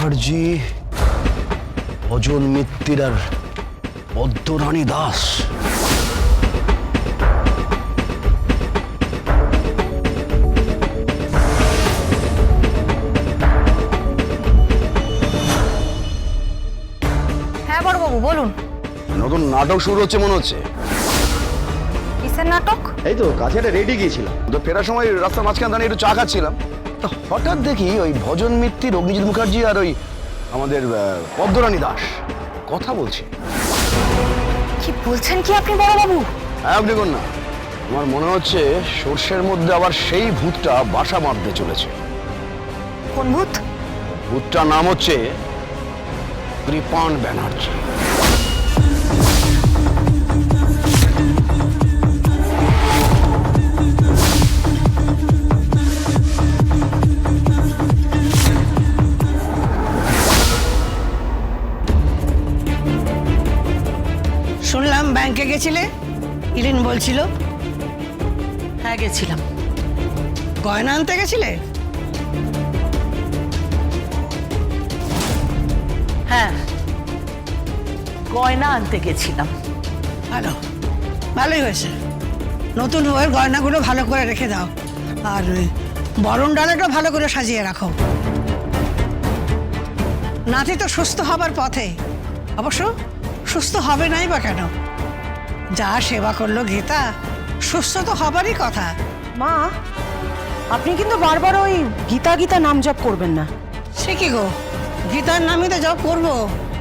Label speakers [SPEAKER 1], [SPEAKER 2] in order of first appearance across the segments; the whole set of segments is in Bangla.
[SPEAKER 1] মুখার্জি, ভজন মিত্তির আর পদ্মরানী দাস।
[SPEAKER 2] হ্যাঁ বড়বাবু বলুন।
[SPEAKER 1] নতুন নাটক শুরু হচ্ছে মনে হচ্ছে।
[SPEAKER 2] কিসের নাটক?
[SPEAKER 1] এই তো কাছে একটা রেডি গিয়েছিলাম, তো ফেরার সময় রাস্তার মাঝখানে দাঁড়িয়ে একটু চা খাচ্ছিলাম, তো হঠাৎ দেখি ওই ভজন মিত্তির, অগ্নিজিৎ মুখার্জি আর ওই আমাদের পদ্মরানী দাস কথা বলছে।
[SPEAKER 2] কি বলছেন কি আপনি বড়বাবু?
[SPEAKER 1] হ্যাঁ দেখুন না, আমার মনে হচ্ছে সর্ষের মধ্যে আবার সেই ভূতটা বাসা বাঁধতে চলেছে।
[SPEAKER 2] কোন ভূত?
[SPEAKER 1] ভূতটার নাম হচ্ছে কৃপান ব্যানার্জি।
[SPEAKER 3] শুনলাম ব্যাংকে গেছিলে, ইরিন বলছিল।
[SPEAKER 4] হ্যাঁ গেছিলাম।
[SPEAKER 3] গয়না আনতে গেছিলে?
[SPEAKER 4] হ্যাঁ, গয়না আনতে গেছিলাম।
[SPEAKER 3] ভালো, ভালোই হয়েছে। নতুন বউয়ের গয়নাগুলো ভালো করে রেখে দাও, আর বরণ ডালাটা ভালো করে সাজিয়ে রাখো। নাতি তো সুস্থ হবার পথে, অবশ্য সুস্থ হবে নাই বা কেন? যা সেবা করলো গীতা, সুস্থ তো হবারই কথা।
[SPEAKER 2] মা, আপনি কিন্তু বারবার ওই গীতা গীতা নাম জপ করবেন না।
[SPEAKER 3] সে কি গো, গীতার নামই তো জপ করবো।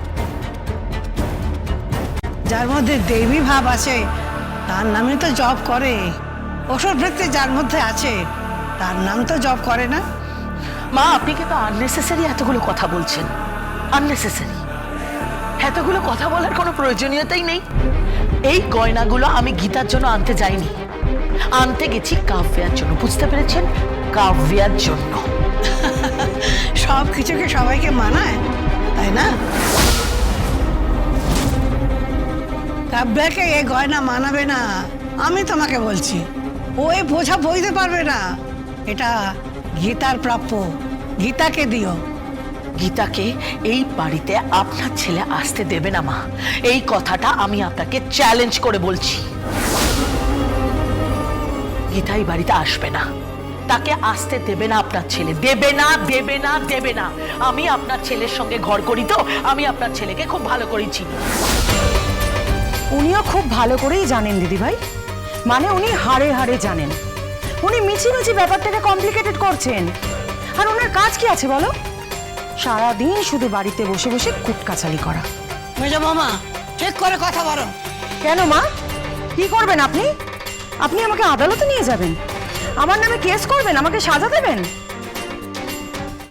[SPEAKER 3] যার মধ্যে দেবী ভাব আছে তার নামে তো জপ করে। ওষুধ বৃত্তি যার মধ্যে আছে তার নাম তো জপ করে না।
[SPEAKER 4] মা, আপনি কিন্তু আননেসেসারি এতগুলো কথা বলছেন। আননেসেসারি এতগুলো কথা বলার কোনো প্রয়োজনীয়তাই নেই। এই গয়নাগুলো আমি গীতার জন্য আনতে যাইনি, আনতে গেছি কাব্যার জন্য। বুঝতে পেরেছেন? কাব্যার জন্য।
[SPEAKER 3] সব কিছুকে সবাইকে মানায়, তাই না? কাব্যাকে এ গয়না মানাবে না, আমি তোমাকে বলছি। ও এ বোঝা বইতে পারবে না। এটা গীতার প্রাপ্য, গীতাকে দিও।
[SPEAKER 4] গীতাকে এই বাড়িতে আপনার ছেলে আসতে দেবে না মা, এই কথাটা আমি আপনাকে চ্যালেঞ্জ করে বলছি। গীতা এই বাড়িতে আসবে না, তাকে আসতে দেবে না আপনার ছেলে। দেবে না, দেবে না, দেবে না। আমি আপনার ছেলের সঙ্গে ঘর করি, তো আমি আপনার ছেলেকে খুব ভালো করেই চিনি।
[SPEAKER 2] উনিও খুব ভালো করেই জানেন দিদিভাই, মানে উনি হাড়ে হাড়ে জানেন। উনি মিছিমিছি ব্যাপারটাকে কমপ্লিকেটেড করছেন। আর ওনার কাজ কি আছে বলো? সারাদিন শুধু বাড়িতে বসে বসে কুটকাচালি করা।
[SPEAKER 3] মেজো মামা, ঠিক করে কথা বলো।
[SPEAKER 2] কেন মা, কি করবেন আপনি? আপনি আমাকে আদালতে নিয়ে যাবেন, আমার নামে কেস করবেন, আমাকে সাজা দেবেন?